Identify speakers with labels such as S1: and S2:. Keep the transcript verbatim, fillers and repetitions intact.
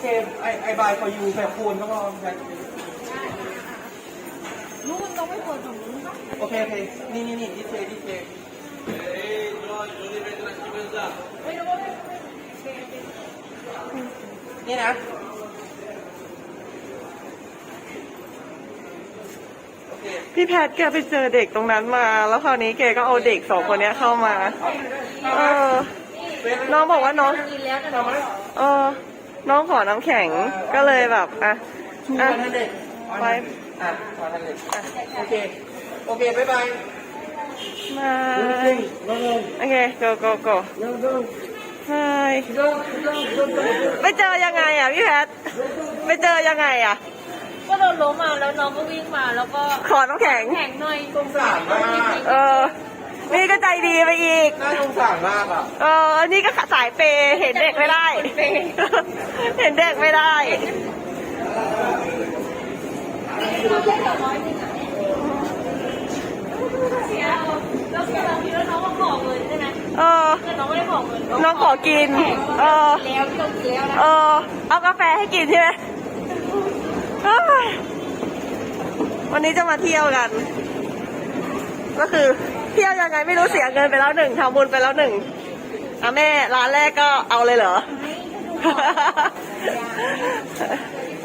S1: เคไอไอบายพอยูแบบคูณก็พอใช่
S2: นู้นเราไม่เปิดตรงนู้นปะ
S1: โอเคโอเคนี่นี่นี่ดิเทดิเทนี่นะ
S3: พี่แพทแกไปเจอเด็กตรงนั้นมาแล้วคราวนี้แกก็เอาเด็กสองคนนี้เข้ามาเออน้องบอกว่าน้องเออน้องขอน้ำแข็งก็เลยแบบอ่ะอ่ะไป
S1: อ่ะขอทันเลยอ่ะโอเคโอเคบ๊ายบาย
S3: มาโอเค go go go ใช่ไปเจอยังไงอ่ะพี่แพทไปเจอยังไงอ่ะ
S2: ก็โดนล้มมาแล้วน้องก็วิ่งมาแล้วก็
S3: ขอน้ำแข็ง
S2: แข็งหน่อย
S1: สงสารมาก
S3: เออนี่ก็ใจดีไปอีก
S1: น่าสงสารมากอ่ะ
S3: เออนี่ก็สายเปย์เห็นเด็กไม่ได้เห็นเด็กไม่ได้
S2: เสียแล้วเสียบางทีแล้วน้องก็ขอเงินใช่ไหม
S3: เออ
S2: น้องไม่ได้ขอเงิน
S3: น้องขอกินเออ
S2: แล้วที่เรากินแล้วนะ
S3: เออเอากาแฟให้กินใช่ไหมวันนี้จะมาเที่ยวกันก็คือเที่ยวยังไงไม่รู้เสียเงินไปแล้วหนึ่งทำบุญไปแล้วหนึ่งอ่ะแม่ร้านแรกก็เอาเลยเหรอ